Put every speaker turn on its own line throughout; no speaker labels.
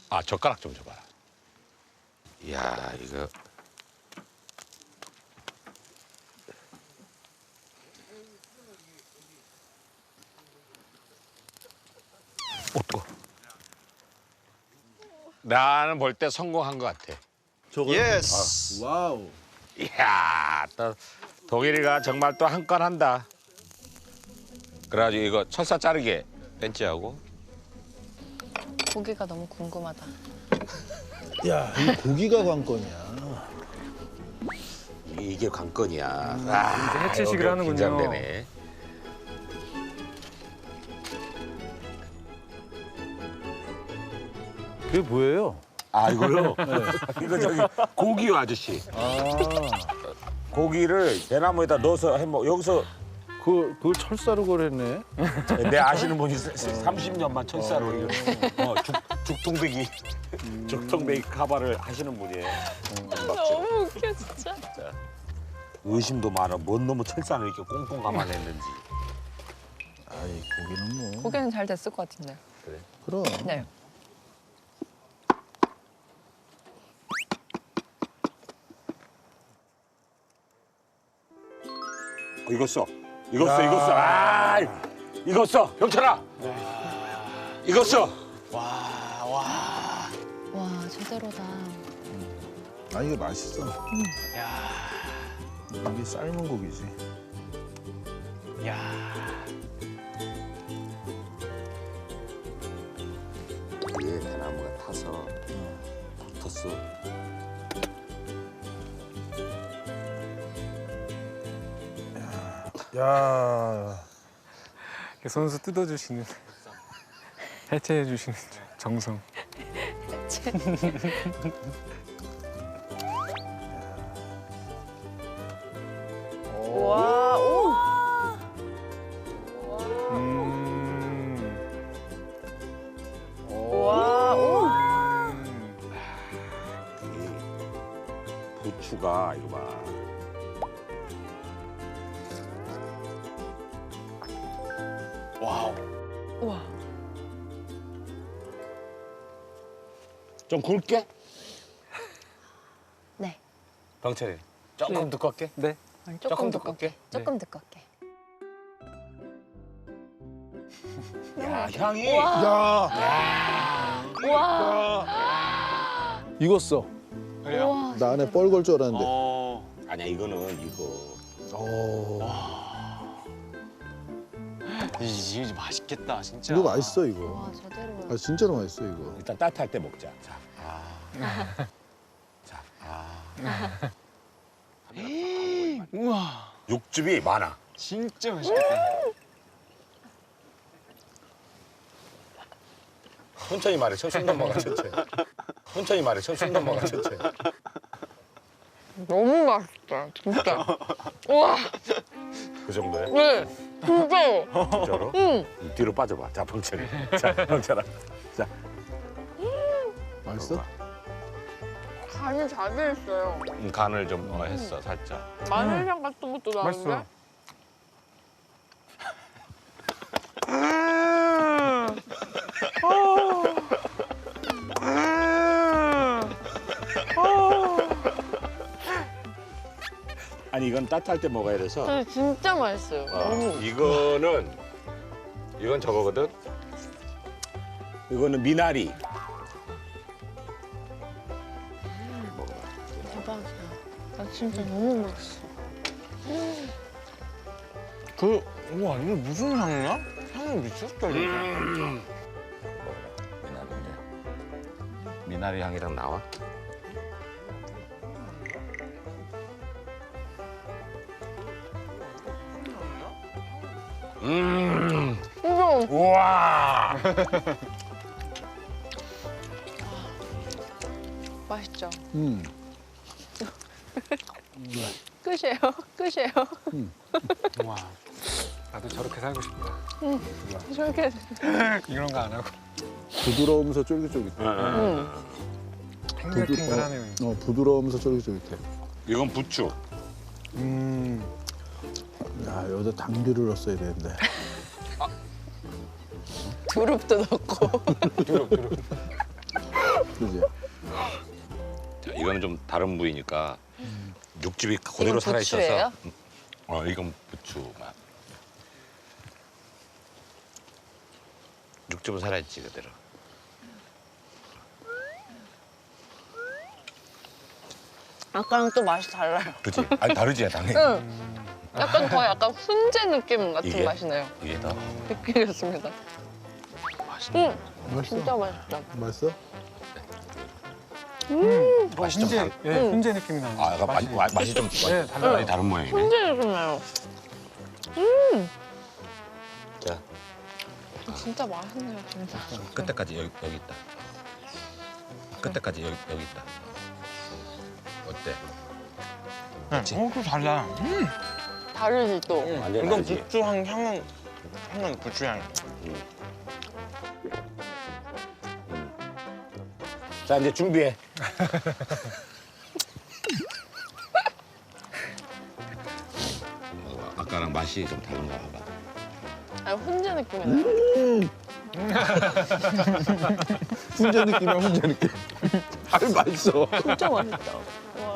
아, 젓가락 좀 줘봐라. 이야, 이거. 오, 뜨거. 나는 볼 때 성공한 것 같아.
저거.
예스.
와우.
이야, 또 독일이가 정말 또 한 건 한다. 그래가지고 이거 철사 자르게 벤치하고.
고기가 너무 궁금하다.
야, 이 고기가 관건이야.
이게 관건이야. 아,
해체식을
여기
하는군요.
긴장되네.
그게 뭐예요?
아, 이걸로? 이거 저기 고기요, 아저씨. 고기를 대나무에다 넣어서 해먹. 여기서
그걸 철사로 거랬네.
내 아시는 분이 30년만 철사로 이거 죽통배기 죽통배기 카바를 하시는 분이에요.
너무 웃겨 진짜.
의심도 많아. 뭔 놈의 철사를 이렇게 꽁꽁 감아냈는지.
아이, 고기는 뭐.
고기는 잘 됐을 것 같은데.
그럼.
네.
이거 써. 이거 써. 이거 써. 아, 이거 써. 병철아. 이거 써.
와 제대로다.
아, 이게 맛있어. 이게 삶은 고기지.
위에 대나무가 타서 붙었어.
야,
손수 뜯어주시는, 해체해주시는 정성.
와, 우와. 와, 우와.
부추가 이거 봐.
우와.
좀 굵게?
네.
병철이. 조금 두껍게?
네.
조금 두껍게. 조금 두껍게.
야, 향이.
야,
우와.
익었어.
우와.
나 안에 뻘 걸 줄 알았는데.
아니야, 이거는 이거.
오,
이거 맛있겠다 진짜.
이거 맛있어 이거.
와 제대로.
아, 진짜로 맛있어 이거.
일단 따뜻할 때 먹자. 자. 자.
우와.
육즙이 많아.
진짜 맛있겠다.
천천히 말해. 손 넘어가 천천히. 천천히 말해. 손 넘어가 천천히.
너무 맛있다 진짜. 우와.
그 정도야?
네. 진짜.
진짜로? 뒤로 빠져봐. 자, 병철이. 자, 병철아. 자.
맛있어?
간이 잘 돼 있어요.
간을 좀 했어, 살짝.
마늘향 같은 것도 나는데.
맛있어.
아니, 이건 따뜻할 때 먹어야 돼서.
근데 진짜 맛있어요. 너무.
이건 저거거든. 이거는 미나리.
대박이야. 나 진짜 너무 맛있어.
우와 이게 무슨 향이야? 향이 미쳤다 이거.
미나리인데. 미나리 향이랑 나와?
이거
우와.
맛있죠? 끝이에요. 끝이에요.
와, 나도 저렇게 살고 싶다.
저렇게.
이런 거 안 하고.
부드러우면서 쫄깃쫄깃해.
탱글탱글하네요.
부드러우면서 쫄깃쫄깃해.
이건 부추.
야, 여기다 당귀를 넣었어야 되는데.
두릅도 넣고.
그지?
자, 이거는 좀 다른 부위니까 육즙이 그대로
이건
살아 있어서.
부추예요?
이건 부추 맛. 육즙은 살아 있지 그대로.
아까랑 또 맛이 달라요.
그렇지? 아니 다르지 당연히.
응. 약간 더 약간 훈제 느낌 같은
이게?
맛이네요.
이게 더
느끼겠습니다.
맛있네.
응,
맛있어?
진짜 맛있다.
맛있어?
맛이 좀 달.
예, 훈제 느낌이 나는.
아, 약간 맛이 좀
네, 달라요.
많이 다른 모양이네.
훈제 느낌나요.
자,
진짜 맛있네요, 진짜.
끝에까지 여기 있다. 끝에까지 여기 있다. 어때?
또 달라.
다르지 또.
완전
이건
다르지?
부추 향은 부추 향.
자 이제 준비해. 아까랑 맛이 좀 다른가 봐봐.
아니, 훈제 느낌이 나요.
훈제 느낌이야 훈제 느낌. 아유 맛있어.
진짜 맛있다. 와.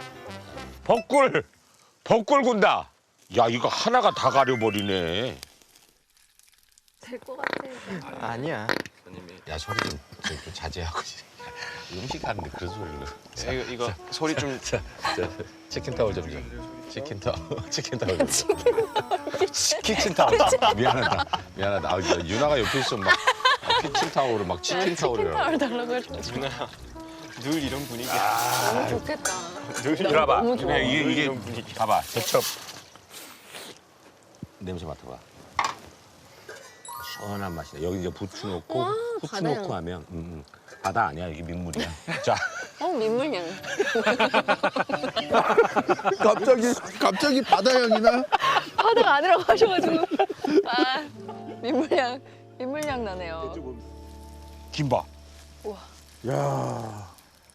벚꿀 군다. 야 이거 하나가 다 가려버리네.
될 것 같아.
아니야.
야 소리 좀 자제하고. 음식 하는데 그런 소리를.
이거 소리 좀.
자, 치킨 타올 좀 줘. 치킨 타올 좀 줘. 키친 타올. 미안하다. 아, 유나가 옆에 있으면 막 키친 타올을 막 치킨 타올이라고.
타월 달라고 해줘.
누나 늘 이런 분위기야.
너무 좋겠다.
이리 봐.
너무 좋아.
이게 봐봐. 대첩. 냄새 맡아봐. 시원한 맛이다. 여기 이제 부추 넣고
와,
후추
바다향.
넣고 하면 바다 아니야. 이게 민물이야. 자,
민물향.
갑자기 바다 향이나?
바다가 아니라고 하셔가지고. 아, 민물향 나네요.
김밥.
우와.
야.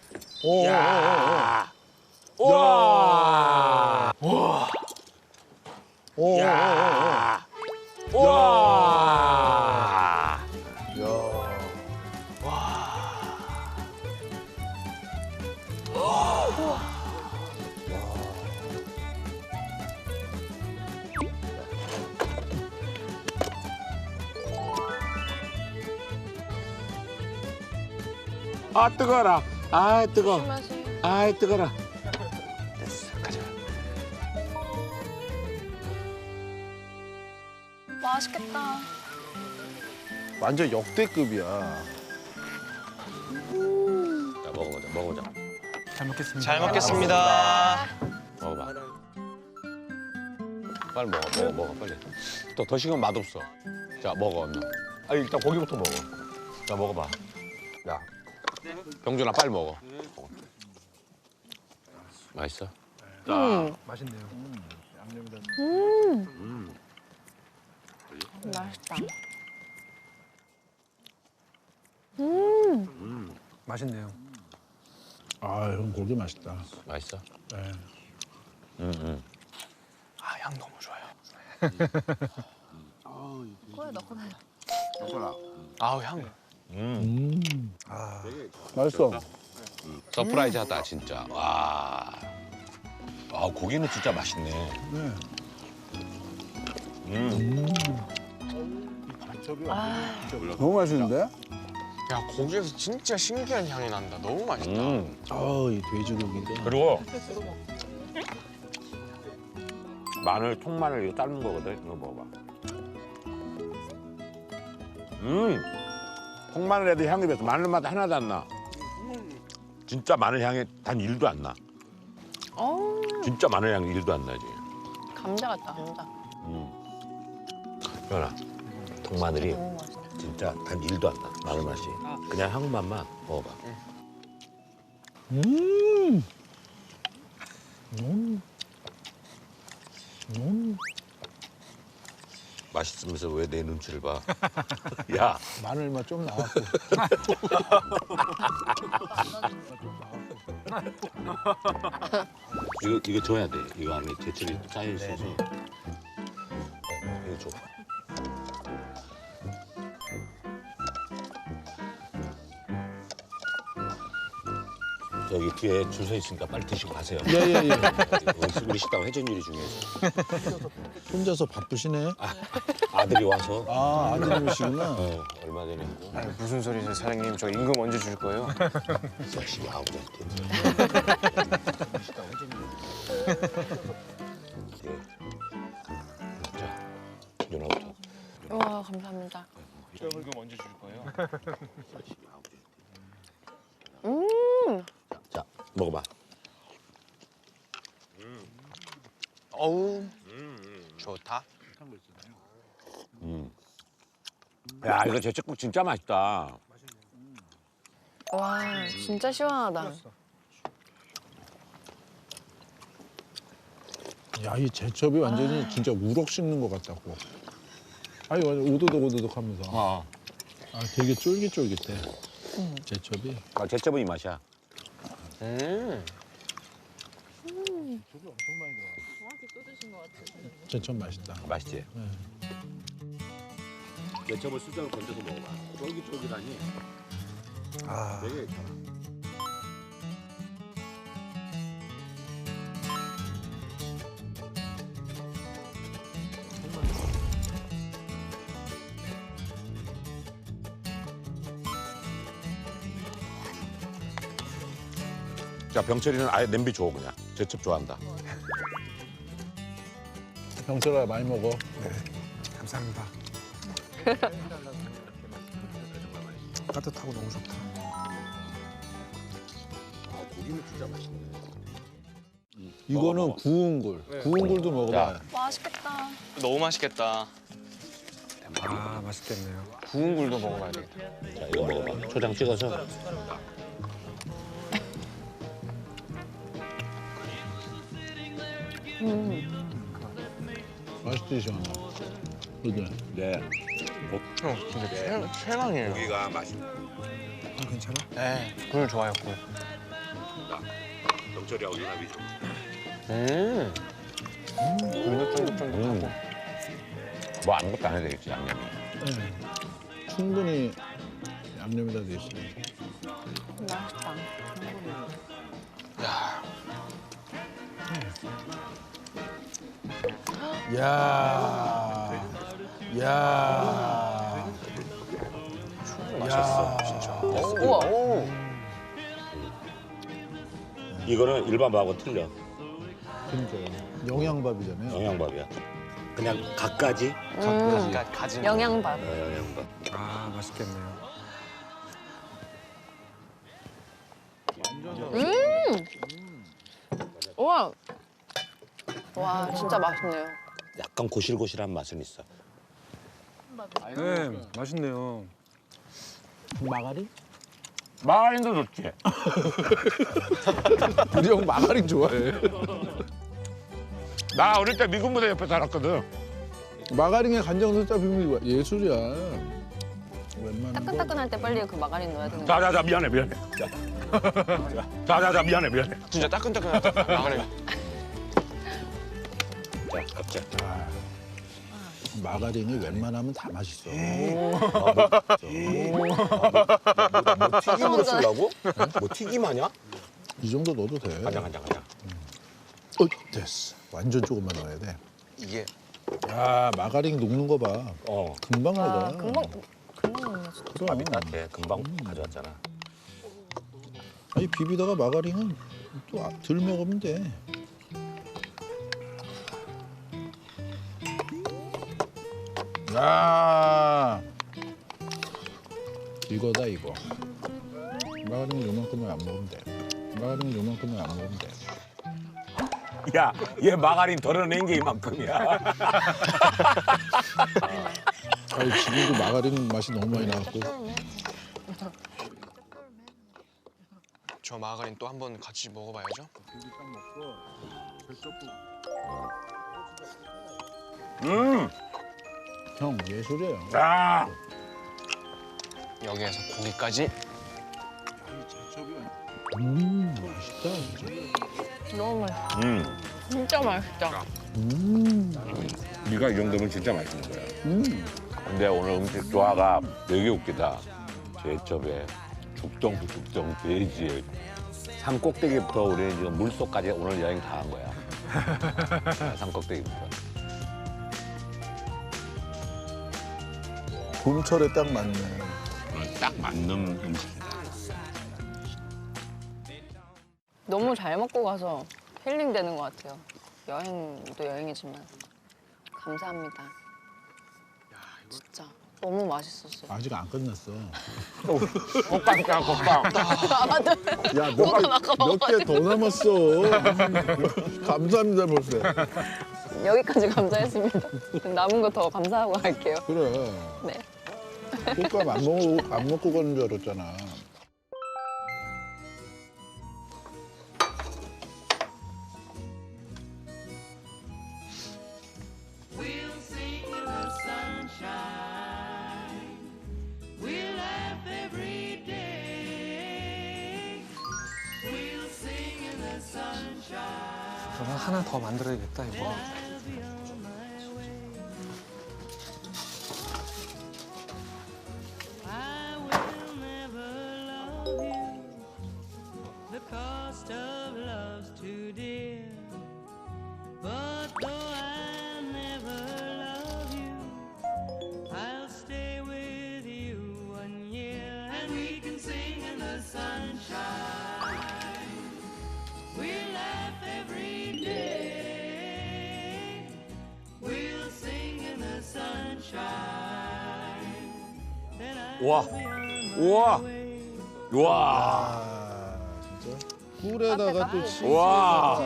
야. 와.
오.
야. 와.
야.
아 뜨거라. 아 뜨거.
맛이.
아 뜨거라. 됐어. 가자.
맛있겠다.
완전 역대급이야.
자 먹어보자.
잘 먹겠습니다.
잘 먹겠습니다.
먹어봐. 빨리 먹어 빨리. 또 더 식으면 맛없어. 자 먹어 얼른. 아 일단 고기부터 먹어. 자 먹어봐. 야 병준아 빨리 먹어. 맛있어?
맛있네요.
맛있다.
맛있네요.
아 형 고기 맛있다.
맛있어?
네.
아, 향 너무 좋아요.
코에 넣고 나요.
아우, 향.
맛있어.
서프라이즈하다 진짜. 와. 아 고기는 진짜 맛있네.
네. 너무 맛있는데?
야, 고기에서 진짜 신기한 향이 난다. 너무 맛있다.
아이 돼지고기인데.
그리고 마늘 통마늘 이거 삶은 거거든. 이거 먹어봐. 통마늘에도 향이 배서 마늘 맛 하나도 안 나. 진짜 마늘 향이 단 1도 안 나. 진짜 마늘 향이 1도 안 나지.
감자 같다, 감자.
현아, 통마늘이
너무 맛있다.
진짜 단 1도 안 나. 마늘 맛이. 그냥 향맛만 먹어봐. 맛있으면서 왜 내 눈치를 봐? 야,
마늘 맛 좀 나왔고.
이거 줘야 돼. 이거 안에 제철이 쌓여 있어서. 이거 줘.
저기 뒤에 줄 서 있으니까 빨리 드시고 가세요.
예예예.
우리 식당 회전 요리 중에서
혼자서 바쁘시네.
아들이 와서
아 아드님이시구나.
얼마 전에 하고
아니, 무슨 소리세요, 사장님? 저 임금 언제 줄 거예요?
열심히 하고 있대. 자, 누나부터.
와 감사합니다.
저 임금 언제 줄 거예요?
열심히 하고 있대. 자, 먹어봐.
어우, 좋다.
야, 이거 제철국 진짜 맛있다.
와 진짜 시원하다.
야 이 제첩이 완전히 진짜 우럭 씹는 것 같다고. 아니 완전 오도독오도독하면서. 아 되게 쫄깃쫄깃해. 제첩이.
아, 제철은 이 맛이야.
제첩 맛있다.
맛있지? 제철을 수저로 건져서 먹어봐. 쫄깃쫄깃하니
아,
되게 괜찮아. 자, 병철이는 아예 냄비 줘 그냥. 제첩 좋아한다.
병철아 많이 먹어.
감사합니다. 따뜻하고 너무 좋다.
아, 고기는 진짜 맛있네.
이거는
먹어.
구운 굴. 구운 굴도 먹어봐.
맛있겠다.
너무 맛있겠다.
아, 맛있겠네요.
구운 굴도 먹어봐야 되겠다.
자, 이거 먹어봐. 초장 찍어서.
맛있지 시원하. 그지?
네.
형, 진짜 최강이에요.
고기가 맛있네.
아, 괜찮아?
네, 굴 좋아요, 굴.
병철이하고 유나비 좀.
굴도 쫀득쫀득하고.
뭐 아무것도 안 해도 되겠지, 양념이.
네. 충분히 양념이 다 돼 있어요.
맛있다.
야,
야, 야,
맛있어, 진짜.
우와.
이거는 일반 밥하고 틀려.
그러니까요. 영양밥이잖아요.
영양밥이야. 그냥 각가지
가진
영양밥.
영양밥.
아, 맛있겠네요.
우와. 와 진짜 맛있네요.
약간 고실고실한 맛은 있어.
네, 맛있네요.
마가린?
마가린도 좋지.
우리 형 마가린 좋아해.
나 어릴 때 미군 부대 옆에 살았거든.
마가린에 간장 넣자 비빔 예술이야. 웬만한 거.
따끈따끈할 때 빨리 그 마가린 넣어야 되는 거.
자자자 미안해. 자자자 미안해.
진짜 따끈따끈하다. 마가린.
자 갑자.
마가린이 웬만하면 다 맛있어.
튀김으로 쓰려고? 뭐 튀김하냐?
이 정도 넣어도 돼.
간장.
됐어. 완전 조금만 넣어야 돼.
이게
야 마가린 녹는 거 봐. 금방
와
녹아.
금방 먹네 진짜.
그럼.
밥이 따뜻해. 금방 가져왔잖아.
아니 비비다가 마가린은 또 덜 먹으면 돼. 야 이거다 이거. 마가린 요만큼만 안 먹으면 돼. 마가린 요만큼만 안 먹으면 돼.
야, 얘 마가린 덜어낸 게 이만큼이야.
아니 지금도 마가린 맛이 너무 많이 나왔고.
저 마가린 또 한 번 같이 먹어봐야죠.
형 예술이에요.
야,
여기에서 고기까지.
맛있다 진짜.
너무 맛있어.
음.
진짜 맛있다.
네가 이 정도면 진짜 맛있는 거야. 근데 오늘 음식 조화가 되게 웃기다. 제첩에 죽정 돼지에 산 꼭대기부터 우리는 지금 물속까지 오늘 여행 다 한 거야. 산 꼭대기부터.
봄철에 딱 맞네.
딱 맞는 음식이다.
너무 잘 먹고 가서 힐링되는 것 같아요. 여행도 여행이지만 감사합니다. 진짜 너무 맛있었어요.
아직 안 끝났어.
곱빵 있잖아, 곱빵.
야,
그건 아까
몇 개 더 남았어. 감사합니다, 벌써.
여기까지 감사했습니다. 남은 거 더 감사하고 갈게요.
그래.
네.
꽃감 안 먹고 가는 줄 알았잖아.
그러면 하나 더 만들어야겠다 이거.
The cost of love's too dear. But though I never love you, I'll stay with you 1 year, and we can sing in the sunshine. We'll laugh every day. We'll sing in the sunshine. Then I'll
우와,
be on my
우와,
way.
우와.
아, 진짜? 꿀에다가 또 치즈.
와.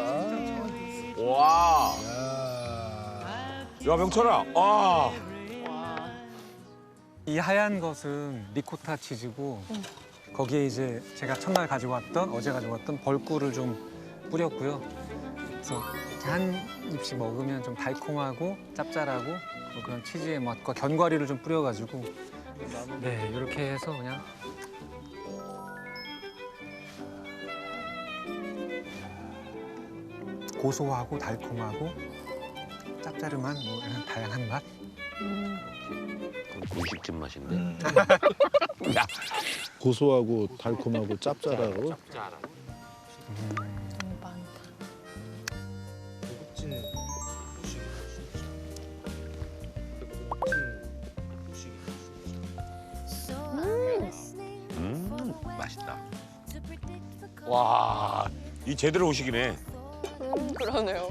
와.
야.
야, 명철아. 아.
이 하얀 것은 리코타 치즈고 거기에 이제 제가 첫날 가지고 왔던 어제 가지고 왔던 벌꿀을 좀 뿌렸고요. 그래서 이렇게 한 입씩 먹으면 좀 달콤하고 짭짤하고 뭐 그런 치즈의 맛과 견과류를 좀 뿌려가지고 네 이렇게 해서 그냥 고소하고 달콤하고 짭짜름한 뭐 이런 다양한 맛.
분식집 맛인데. 야,
고소하고 달콤하고 짭짤하고.
너무 많다.
맛있다. 와, 이 제대로 후식이네.
그러네요.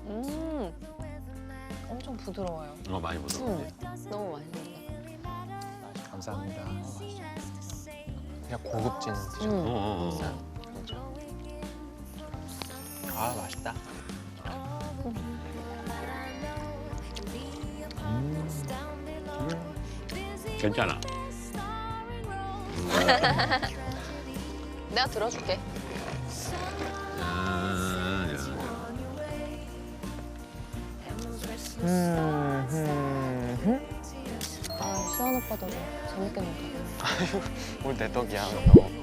엄청 부드러워요.
많이 부드러운데.
너무 맛있는데.
감사합니다.
그냥 고급진 디저트. 아 맛있다.
괜찮아.
내가 들어줄게. 아, 시원 오빠도 재밌게 놀다.
오늘 내 덕이야. 너.